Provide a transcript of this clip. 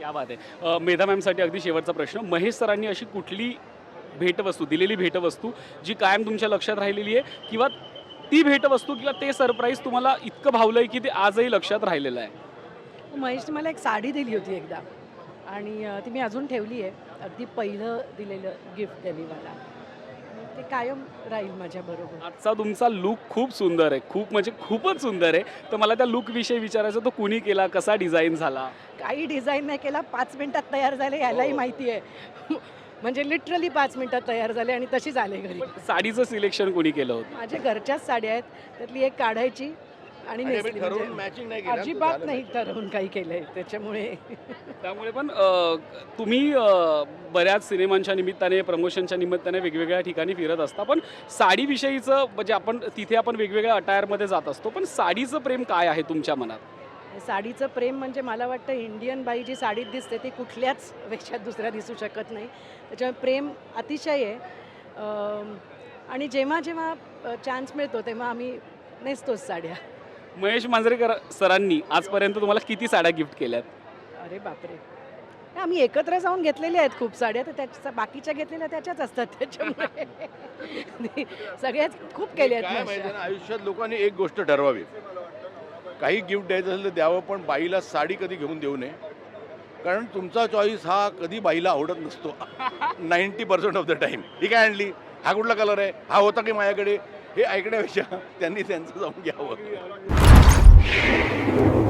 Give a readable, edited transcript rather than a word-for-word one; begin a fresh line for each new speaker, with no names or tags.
क्या बात आहे. मेधा मॅमसाठी अगदी शेवटचा प्रश्न. महेश सरांनी अशी कुठली भेटवस्तू दिलेली भेटवस्तू जी कायम तुमच्या लक्षात राहिलेली आहे किंवा ती भेटवस्तू किंवा ते सरप्राईज तुम्हाला इतकं भावलंय की ते आजही लक्षात राहिलेलं आहे?
महेशने मला एक साडी दिली होती एकदा आणि ती मी अजून ठेवली आहे. अगदी पहिलं दिलेलं गिफ्ट त्यांनी मला. ते कायम राहील माझ्याबरोबर.
आजचा तुमचा लूक खूप सुंदर आहे. खूप म्हणजे खूपच सुंदर आहे. तर मला त्या लूकविषयी विचारायचं, तो कुणी केला, कसा डिझाईन झाला?
काही डिझाईन नाही केला, 5 मिनिटात तयार झाले यालाही माहिती आहे. म्हणजे लिटरली 5 मिनिटात तयार झाले आणि तशीच आले घरी.
साडीचं सिलेक्शन कोणी केलं होतं?
माझ्या घरच्याच साड्या आहेत, त्यातली एक काढायची आणि नेसली.
ठरवून
म्हणजे
मॅचिंग नाही केलं.
अजिबात नाही ठरवून काही केलंय त्याच्यामुळे.
त्यामुळे पण तुम्ही बऱ्याच सिनेमांच्या निमित्ताने, प्रमोशनच्या निमित्ताने वेगवेगळ्या ठिकाणी फिरत असता. पण साडीविषयीचं म्हणजे आपण तिथे आपण वेगवेगळ्या अटायरमध्ये जात असतो. पण साडीचं प्रेम काय आहे तुमच्या मनात?
साडीचं प्रेम म्हणजे मला वाटतं इंडियन बाई जी साडीत दिसते ती कुठल्याच पेक्षा दुसऱ्या दिसू शकत नाही. त्याच्यामुळे प्रेम अतिशय आहे. आणि जेव्हा जेव्हा चान्स मिळतो तेव्हा आम्ही नेसतोच साड्या.
महेश मांजरेकर सरांनी आजपर्यंत तुम्हाला किती साड्या गिफ्ट केल्यात?
अरे बापरे, आम्ही एकत्र जाऊन घेतलेल्या आहेत खूप साड्या. तर त्याच्या बाकीच्या घेतलेल्या त्याच्याच असतात. त्याच्यामुळे सगळ्याच खूप केल्या
काय
आहेत
माहिती
माझ्या.
ना, आयुष्यात लोकांनी एक गोष्ट ठरवावी. काही गिफ्ट द्यायचं असेल तर द्यावं, पण बाईला साडी कधी घेऊन देऊ नये. कारण तुमचा चॉईस हा कधी बाईला आवडत नसतो. 90% ऑफ द टाईम. ही काय आणली, हा कुठला कलर आहे, हा होता की माझ्याकडे, हे ऐकण्यापेक्षा त्यांनी त्यांचं जाऊन घ्यावं.